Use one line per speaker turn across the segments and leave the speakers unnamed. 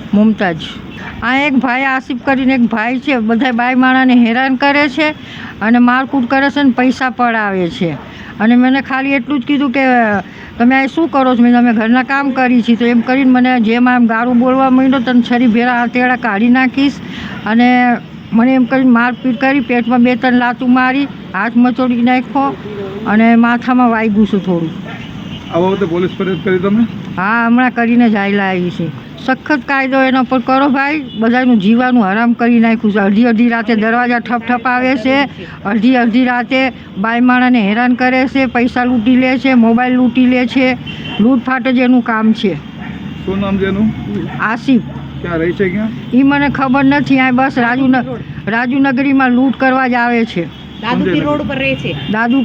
મુમતાજ. આ એક ભાઈ આસિફ કરીને એક ભાઈ છે, બધા બાઈ માણાને હેરાન કરે છે અને મારકૂટ કરે છે ને પૈસા પડાવે છે. અને મને ખાલી એટલું જ કીધું કે તમે આ શું કરો છો? મેં અમે ઘરના કામ કરી છીએ. તો એમ કરીને મને જેમ આમ ગાળું બોલવા માંડ્યો, તને છરી ભેરા હથેળા કાઢી નાખીશ. અને મને એમ કરીને મારપીટ કરી, પેટમાં 2-3 લાતું મારી, હાથ મચોડી નાખ્યો અને માથામાં વાગ્યું છે થોડું.
આ બાબતે પોલીસ ફરિયાદ કરી તમે?
હા, હમણાં કરીને જ આવેલા આવી છે. સખત કાયદો એના પર કરો ભાઈ. બધાનું જીવાનું હરામ કરી નાખ્યું છે. અડધી અડધી રાતે દરવાજા ઠપઠપાવે છે, અડધી અડધી રાતે બાઈ માણાને હેરાન કરે છે, પૈસા લૂંટી લે છે, મોબાઈલ લૂંટી લે છે. લૂંટફાટ જ એનું કામ છે.
શું નામ છે એનું?
આસિફ.
ક્યાં રહે છે? ક્યાં
એ મને ખબર નથી. આ બસ રાજુનગરીમાં લૂંટ કરવા જ આવે છે.
દાદુપીર રોડ પર રહે છે.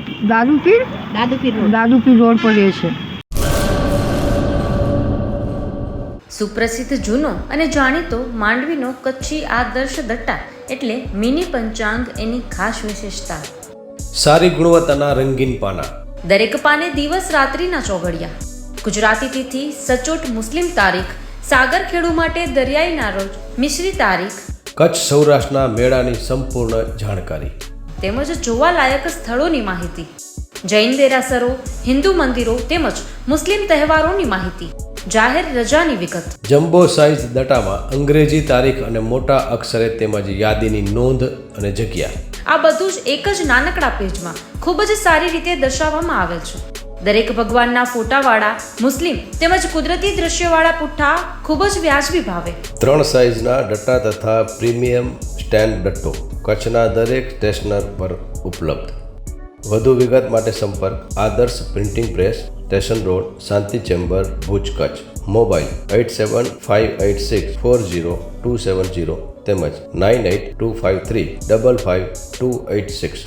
દાદુપીર રોડ પર રહે છે.
સુપ્રસિદ્ધ જૂનો અને જાણીતો માંડવીનો કચ્છી આદર્શ દટ્ટા એટલે મિની પંચાંગ એની ખાસ વિશેષતા.
સારી ગુણવત્તાના રંગીન પાના,
દરેક પાને દિવસ રાત્રિના ચોઘડિયા, ગુજરાતી તિથિ, સચોટ મુસ્લિમ તારીખ, સાગરખેડુ માટે દરિયાઈના રોજ, મિશ્રી તારીખ,
કચ્છ સૌરાષ્ટ્રના મેળાની સંપૂર્ણ જાણકારી
તેમજ જોવાલાયક સ્થળોની માહિતી, જૈન દેરાસરો, હિન્દુ મંદિરો તેમજ મુસ્લિમ તહેવારોની માહિતી, જાહેર રજાની વિગત.
જમ્બો સાઇઝ દટામાં અંગ્રેજી તારીખ અને મોટા અક્ષરે તેમજ યાદીની નોંધ અને જગ્યા.
આ બધું જ એક જ નાનકડા પેજમાં ખૂબ જ સારી રીતે દર્શાવવામાં આવેલ છે. દરેક ભગવાનના ફોટાવાળા મુસ્લિમ તેમજ કુદરતી દ્રશ્યવાળા પુઠ્ઠા ખૂબ જ વ્યાજબી ભાવે.
3 સાઇઝના દટ્ટા તથા પ્રીમિયમ સ્ટેન્ડ દટ્ટો કચ્છના દરેક સ્ટેશનર પર ઉપલબ્ધ. વધુ વિગત માટે સંપર્ક Adarsh printing press, station road, Shanti chamber, Bhuj, Kutch. Mobile 8758640270 તેમજ 9825355286.